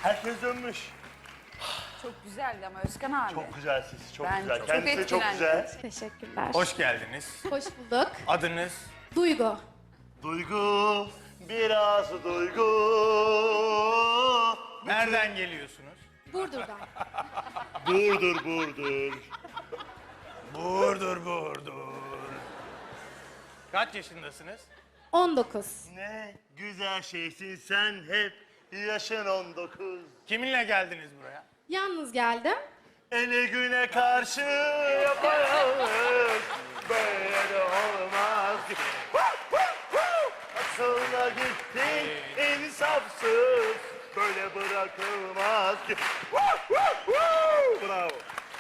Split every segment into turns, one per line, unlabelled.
Herkes dönmüş.
Çok güzeldi ama Özkan abi.
Çok güzel sesi, çok
Ben
güzel.
çok
Kendisi de çok
etkilendim.
güzel.
Teşekkürler.
Hoş geldiniz.
Hoş bulduk.
Adınız?
Duygu.
Duygu, biraz duygu.
Nereden geliyorsunuz?
Burdur'dan.
Burdur, burdur.
Burdur. Kaç yaşındasınız?
19.
Ne güzel şeysin sen hep. Yaşın 19.
Kiminle geldiniz buraya?
Yalnız geldim.
Ele güne karşı yapayalnız. Böyle de olmaz ki. Sonra gittin insafsız. Böyle bırakılmaz ki. Bravo.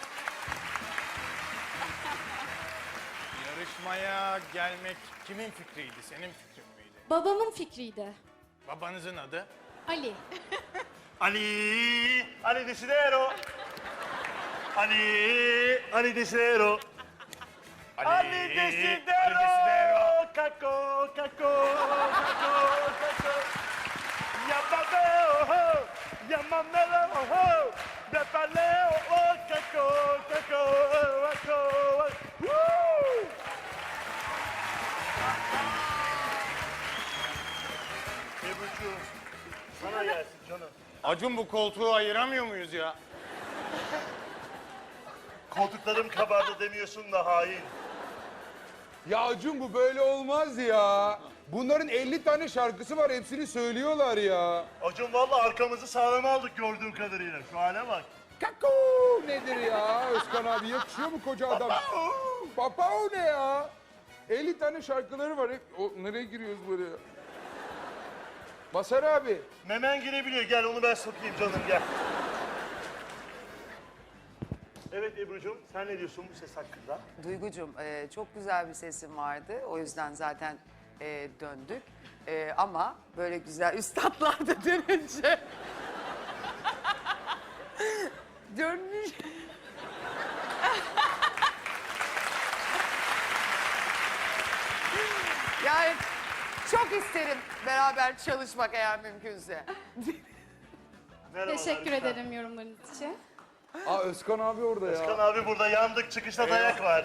Yarışmaya gelmek kimin fikriydi? Senin fikrin miydi?
Babamın fikriydi.
Babanızın adı?
Ali.
Ali Desidero. Ali Desidero. Ali Desidero. Caco, caco, caco, caco. Llámame, llámamelo, de paleo, caco, caco, caco. Woo! Ebru'cuğum, sana gelsin canım.
Acun bu koltuğu ayıramıyor muyuz ya?
Koltuklarım kabardı demiyorsun da hain.
Ya Acun bu böyle olmaz ya. Bunların 50 tane şarkısı var, hepsini söylüyorlar ya.
Acun vallahi arkamızı sağlam aldık gördüğüm kadarıyla. Şu hale bak.
Kako nedir ya? Özkan abi yakışıyor mu koca adam? Papao ne ya? 50 tane şarkıları var. Hep, nereye giriyoruz buraya? Masar abi.
Memen girebiliyor. Gel onu ben sokayım canım gel. Evet Ebru'cum sen ne diyorsun bu ses hakkında?
Duygucuğum çok güzel bir sesin vardı. O yüzden zaten döndük. Ama böyle güzel üstadlar da dönünce... Dönmüş. Yani çok isterim beraber çalışmak eğer mümkünse.
Merhabalar,
Teşekkür
lütfen.
ederim yorumlarınız için.
Aa Özkan abi orada ya.
Özkan abi burada yandık çıkışta dayak var.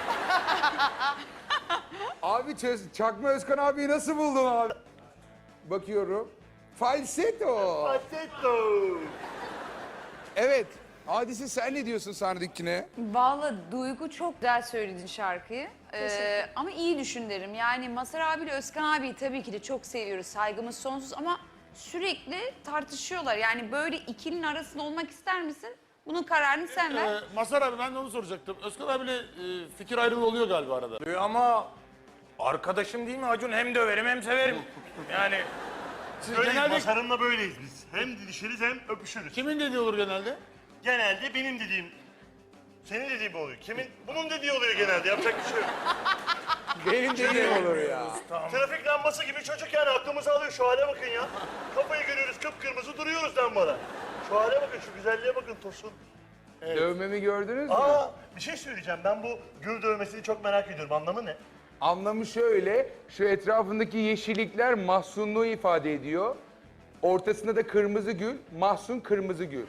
Abi Çakma Özkan abiyi nasıl buldun abi? Bakıyorum. Falsetto.
Patetto.
Evet. Hadise sen ne diyorsun sahnedekine?
Vallahi Duygu çok güzel söyledin şarkıyı.
Teşekkür.
Ama iyi düşün derim. Yani Mazhar abiyle Özkan abiyi tabii ki de çok seviyoruz. Saygımız sonsuz ama sürekli tartışıyorlar. Yani böyle ikilinin arasında olmak ister misin? Bunun kararını sen ver.
Mazhar abi ben de onu soracaktım. Özkan abiyle fikir ayrılığı oluyor galiba arada.
Ama arkadaşım değil mi Acun? Hem döverim hem severim. Yani
Siz
Öyleyiz
genelde
Masar'ımla böyleyiz biz. Hem didişiriz hem öpüşürüz.
kimin dediği olur genelde?
Genelde benim dediğim, senin dediğin mi oluyor? Kimin? Bunun dediği oluyor genelde. Yapacak bir şey yok.
Benim dediğim olur ya.
Trafik lambası gibi çocuk yani aklımızı alıyor. Şu hale bakın ya. Kafayı görüyoruz kıpkırmızı duruyoruz lambada. Şu hale bakın, şu güzelliğe bakın Tosun.
Dövmemi gördünüz mü?
Aa, bir şey söyleyeceğim. Ben bu gül dövmesini çok merak ediyorum. Anlamı ne?
Anlamı şöyle, şu etrafındaki yeşillikler mahzunluğu ifade ediyor. Ortasında da kırmızı gül, mahzun kırmızı gül.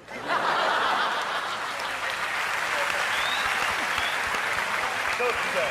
Çok güzel.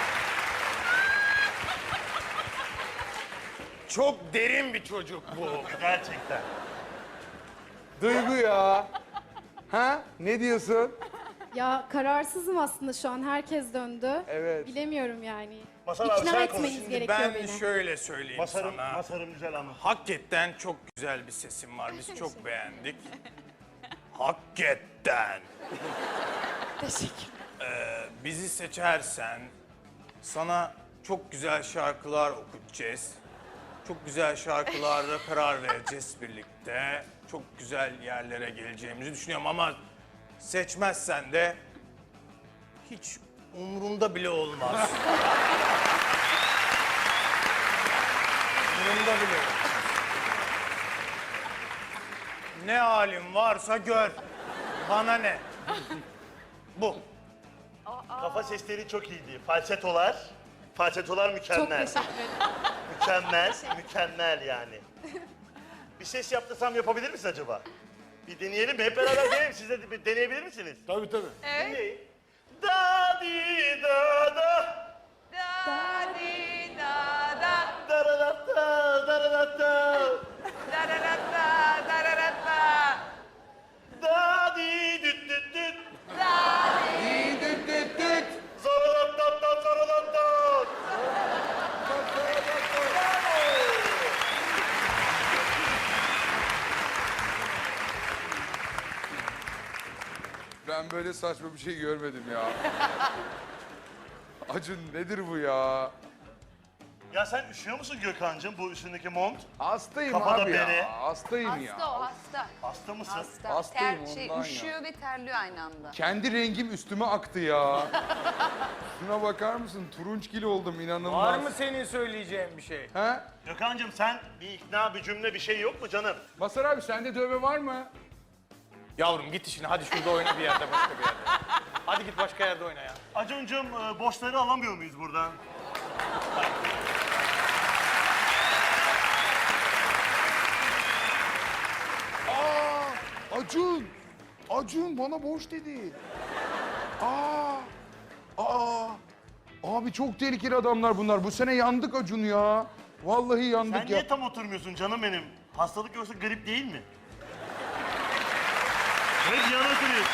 çok derin bir çocuk bu.
Gerçekten.
Duygu ya. Ha? Ne diyorsun?
Ya kararsızım aslında şu an. Herkes döndü.
Evet.
Bilemiyorum yani.
Masar abi
İkna
sen konuş.
etmeniz
Şimdi
gerekiyor
Ben
beni.
şöyle söyleyeyim
Masarım,
sana.
masarım güzel ama.
Hakikaten çok güzel bir sesin var. Biz çok beğendik. Hakikaten.
Teşekkür.
Bizi seçersen sana çok güzel şarkılar okutacağız. Çok güzel şarkılarla karar vereceğiz birlikte. Çok güzel yerlere geleceğimizi düşünüyorum ama seçmezsen de hiç umurumda bile olmaz. Umurumda bile olmaz. Ne halin varsa gör. Bana ne? Bu.
Kafa sesleri çok iyiydi. Falsetolar
Çok
mükemmel.
teşekkür ederim.
Mükemmel, mükemmel yani. Bir ses yaptırsam yapabilir misin acaba? Bir deneyelim mi? Hep beraber deneyelim. Siz de bir deneyebilir misiniz?
Tabii tabii.
Evet.
Dinleyin. Da di da da.
Da di da da.
Da da da da da da da.
Dararata, dararata.
Da di düt düt düt.
Düt düt düt düt.
Zararat dat dat zararat dat.
Ben böyle saçma bir şey görmedim ya. Acun nedir bu ya?
Ya sen üşüyor musun Gökhan'cığım bu üstündeki mont?
Hastayım
Kafada
abi
bere.
ya. Hastayım
Hasta
ya.
o, hasta.
Hasta mısın?
Hasta.
Hastayım ondan ya.
Üşüyor ve terliyor aynı anda.
Kendi rengim üstüme aktı ya. Şuna bakar mısın? Turunçgil oldum inanılmaz.
Var mı senin söyleyeceğin bir şey?
He?
Gökhan'cığım sen bir ikna bir cümle bir şey yok mu canım?
Masar abi sende dövme var mı?
Yavrum git işine hadi şurada oyna bir yerde başka bir yerde. Hadi git başka yerde oyna ya.
Acun'cum boşları alamıyor muyuz buradan?
Acun! Acun bana boş dedi. Aa! Abi çok tehlikeli adamlar bunlar. Bu sene yandık Acun ya. Vallahi yandık
Sen
ya.
niye tam oturmuyorsun canım benim? Hastalık yoksa grip değil mi? Hep yana oturuyorsun.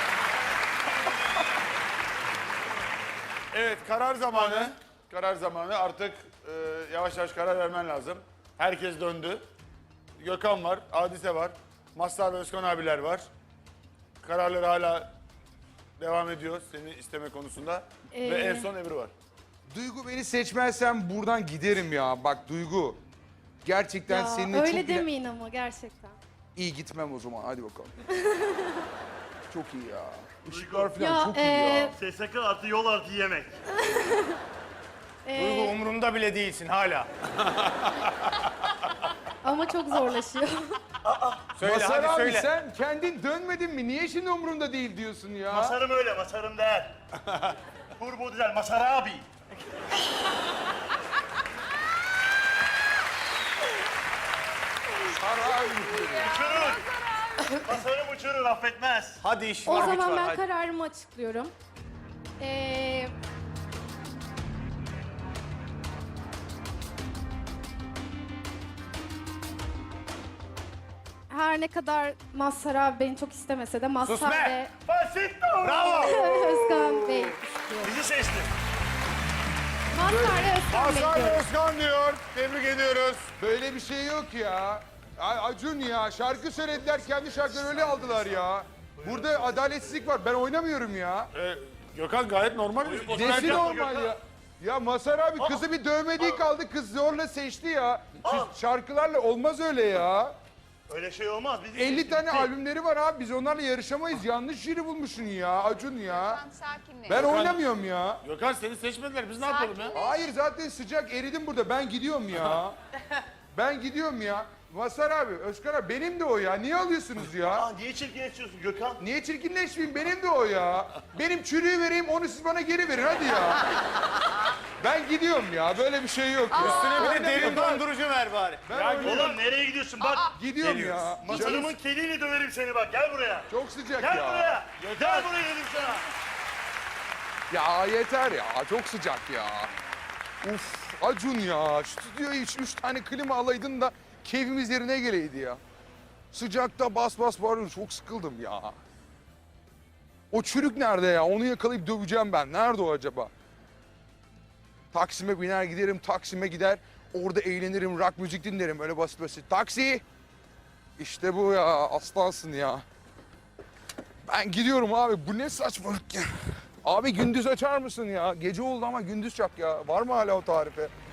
Evet karar zamanı. Karar zamanı artık yavaş yavaş karar vermen lazım. Herkes döndü. Gökhan var, Hadise var. Mazhar ve Özkan abiler var. Kararları hala devam ediyor seni isteme konusunda. Ve en son Ebru var.
Duygu beni seçmezsen buradan giderim ya. Bak Duygu. Gerçekten
Ya,
seninle
öyle
çok bile...
demeyin ama gerçekten.
İyi gitmem o zaman. Hadi bakalım. Çok iyi ya. Işıklar falan
Ya,
çok iyi ya.
SSK artı yol artı yemek.
Duygu umurumda bile değilsin hala.
Ama çok zorlaşıyor.
Söyle
Masar
hadi
abi
söyle.
sen kendin dönmedin mi? Niye şimdi umurumda değil diyorsun ya?
Masarım öyle, masarım değil. Turbo dizel, Masar abi. Uçurur. Masarım uçurur, affetmez.
Hadi iş
O
var güç
zaman
var
ben
hadi.
kararımı açıklıyorum. Her ne kadar Mazhar abi beni çok istemese de
Sus
Mazhar
be!
ve
Fasito!
Bravo!
Özkan Bey istiyorum.
Bizi seçti.
Mazhar ve Özkan Bey
Mazhar ve
diyorum.
Özkan diyor. Tebrik ediyoruz.
Böyle bir şey yok ya. Acun ya şarkı söylediler kendi şarkılarını öyle aldılar ya. Burada adaletsizlik var ben oynamıyorum ya.
Gökhan gayet normal bir
Oyun
Nesi
yapma
normal
Gökhan.
ya? Ya Mazhar abi kızı bir dövmediği kaldı kız zorla seçti ya. Şu şarkılarla olmaz öyle ya.
Öyle şey olmaz. Bizi
50
seçti,
tane
bitti.
albümleri var abi biz onlarla yarışamayız. Yanlış jüri bulmuşsun ya Acun ya.
Tamam sakinleş.
Ben oynamıyorum ya.
Gökhan seni seçmediler. Biz ne yapalım ya?
Hayır zaten sıcak eridim burada ben gidiyorum ya. Ben gidiyorum ya. Mazhar abi, Özkan abi benim de o ya. Niye alıyorsunuz ya?
Aa, niye çirkinleşiyorsun Gökhan?
Niye çirkinleşmeyeyim? Benim de o ya. Benim çürüğü vereyim, onu siz bana geri verin hadi ya. Ben gidiyorum ya. Böyle bir şey yok ya.
Üstüne bir de
Oynamıyorum
derin
ben.
dondurucu ver bari.
Ben
Ya
oynamıyorum.
oğlum nereye gidiyorsun? Bak
Gidiyorum ya.
masarımın keliyle döverim seni bak. Gel buraya.
Çok sıcak
Gel
ya.
buraya. Gel buraya dedim sana.
Ya yeter ya. Çok sıcak ya. Uf Acun ya. Stüdyoya hiç 3 tane klima alaydın da keyfimiz yerine geleydi ya. Sıcakta bas bas bağırıyorsun. Çok sıkıldım ya. O çürük nerede ya? Onu yakalayıp döveceğim ben. Nerede o acaba? Taksim'e biner giderim. Taksim'e gider. Orada eğlenirim. Rock müzik dinlerim. Öyle basit basit. Taksi! İşte bu ya. Aslansın ya. Ben gidiyorum abi. Bu ne saçmalık ya. Abi gündüz açar mısın ya? Gece oldu ama gündüz çak ya. Var mı hala o tarife?